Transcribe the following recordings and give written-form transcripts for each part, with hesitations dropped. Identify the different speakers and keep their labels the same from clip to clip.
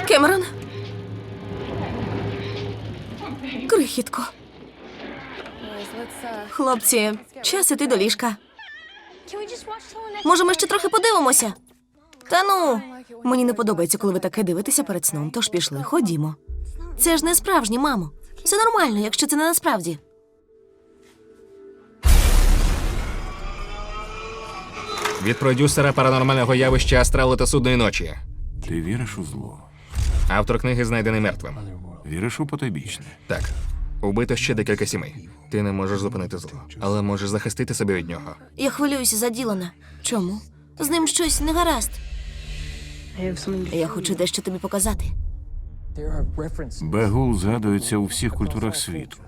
Speaker 1: Кемерон? Крихітко. Хлопці, час іти до ліжка. Може, ми ще трохи подивимося? Та ну, мені не подобається, коли ви таке дивитеся перед сном, тож пішли, ходімо. Це ж не справжнє, мамо. Все нормально, якщо це не насправді.
Speaker 2: Від продюсера паранормального явища «Астрали та судної ночі».
Speaker 3: Ти віриш у зло?
Speaker 2: Автор книги знайдений мертвим.
Speaker 3: Віриш у потойбічне?
Speaker 2: Так. Убито ще декілька сімей. Ти не можеш зупинити зло, але можеш захистити себе від нього.
Speaker 1: Я хвилююся за Ділана. Чому? З ним щось не гаразд. Я хочу дещо тобі показати.
Speaker 3: Бегул згадується у всіх культурах світу.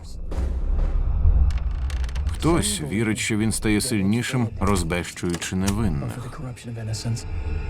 Speaker 3: Хтось вірить, що він стає сильнішим, розбещуючи невинних.
Speaker 4: Children,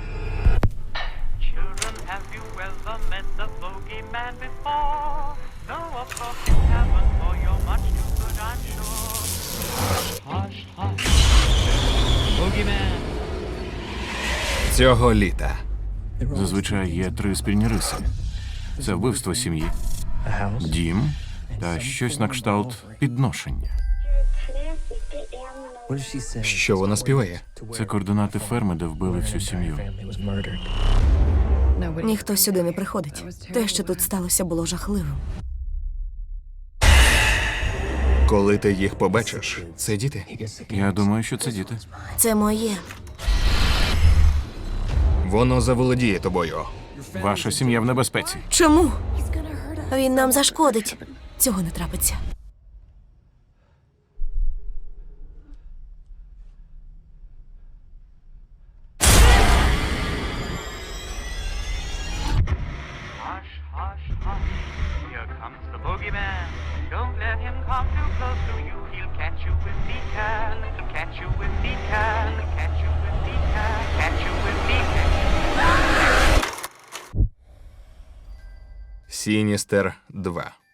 Speaker 4: have you ever met the bogeyman before? No, of course you haven't, for you're much too good, I'm sure. Hush, hush, bogeyman.
Speaker 2: Цього літа.
Speaker 3: Зазвичай є три спільні риси. Це вбивство сім'ї, дім та щось на кшталт підношення.
Speaker 2: Що вона співає?
Speaker 3: Це координати ферми, де вбили всю сім'ю.
Speaker 1: Ніхто сюди не приходить. Те, що тут сталося, було жахливим.
Speaker 2: Коли ти їх побачиш, це діти.
Speaker 3: Я думаю, що це діти.
Speaker 1: Це моє.
Speaker 2: Воно заволодіє тобою.
Speaker 3: Ваша сім'я в небезпеці.
Speaker 1: Чому? Він нам зашкодить. Цього не трапиться.
Speaker 4: Hush, hush, hush. Here comes the bogeyman. Don't let him come too close to you. He'll catch you if he can. Catch you if he can. Catch you if he can. Catch you if he can.
Speaker 2: Сіністер 2.